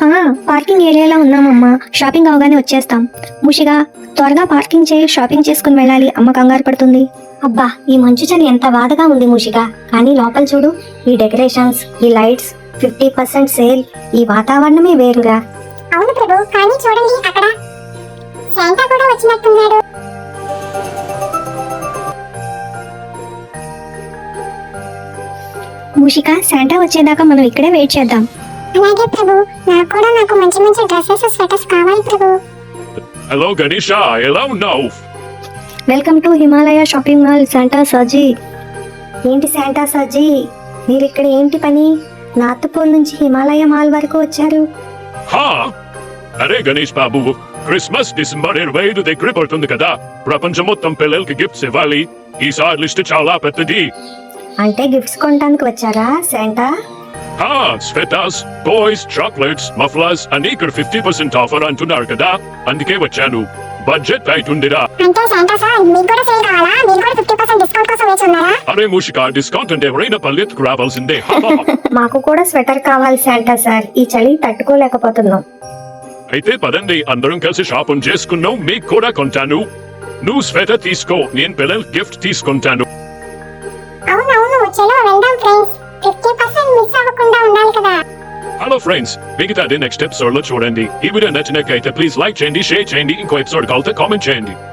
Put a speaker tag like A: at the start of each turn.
A: Parking ఏరియాలో ఉన్నామమ్మా. Shopping అవగానే వచ్చేస్తాం. ముషిగా త్వరగా పార్కింగ్ చేయి, షాపింగ్ చేసుకుని వెళ్ళాలి. అమ్మ కంగారు పడుతుంది. అబ్బా, ఈ మంచు చలి ఎంత బాధగా ఉంది ముషిగా. కానీ లోపల చూడు, ఈ డెకరేషన్స్, ఈ లైట్స్, 50% సేల్, ఈ వాతావరణమే వేరుగా.
B: అవును ప్రభు, కానీ చూడండి అక్కడ శాంటా కూడా వచ్చినట్టున్నాడు.
A: ముషిగా, శాంటా వచ్చేదాకా మనం ఇక్కడే వెయిట్ చేద్దాం.
B: అలాగే ప్రభు, నాకు మంచి మంచి డ్రెస్సెస్, స్వెటర్స్ కావాలి ప్రభు.
C: హలో గణేష, ఎలా ఉన్నావు?
A: Welcome to Himalaya shopping mall Santa Sarji. ఏంటి శాంటా సర్జీ, మీరు ఇక్కడ ఏంటి పని? నార్త్ పోల్ నుంచి హిమాలయ మాల్ వరకు వచ్చారు.
C: హా, అరే గణేష్ బాబు, క్రిస్మస్ డిసెంబర్ 25 దగ్గర పడుతుంది కదా. ప్రపంచం మొత్తం పిల్లలకి గిఫ్ట్స్ ఇవ్వాలి. ఈసారి లిస్ట్ చాలా పెద్దది.
A: అంటే గిఫ్ట్స్ కొనడానికి వచ్చారా శాంటా?
C: హా, స్వెటర్స్, టాయ్స్, చాక్లెట్స్, మఫ్లర్స్ అన్ని ఇక్కడ 50% ఆఫర్ అంటున్నారు కదా, అందుకే వచ్చాను. బడ్జెట్ టైట్ ఉందిరా.
B: అంటే శాంటా సార్, మీకు కూడా సేల్ కావాలా? మీరు కూడా 50% డిస్కౌంట్ కోసం వేచి ఉన్నారా?
C: అరే మూషిక, డిస్కౌంట్ అంటే ఎవరైనా పల్లెత్తుకు రావాల్సిందే.
A: మాకు కూడా స్వెటర్ కావాలి శాంటా సార్, ఈ చలి తట్టుకోలేకపోతున్నాం.
C: అయితే పదండి, అందరం కలిసి షాపింగ్ చేసుకున్నాం. మీకు కూడా కొంటాను. నువ్వు స్వెటర్ తీసుకో, నేను పిల్లల గిఫ్ట్ తీసుకుంటాను.
B: అవునవును, చలో వెళ్దాం ఫ్రెండ్స్. 50% మిస్ అవ్వకుండా ఉండాలి కదా.
C: హలో ఫ్రెండ్స్, మిగతాది నెక్స్ట్ ఎపిసోడ్ లో చూడండి. ఈ వీడియో నచ్చినట్లయితే ప్లీజ్ లైక్ చేయండి, షేర్ చేయండి. ఇంకో ఎపిసోడ్ కావాలంటే కామెంట్ చేయండి.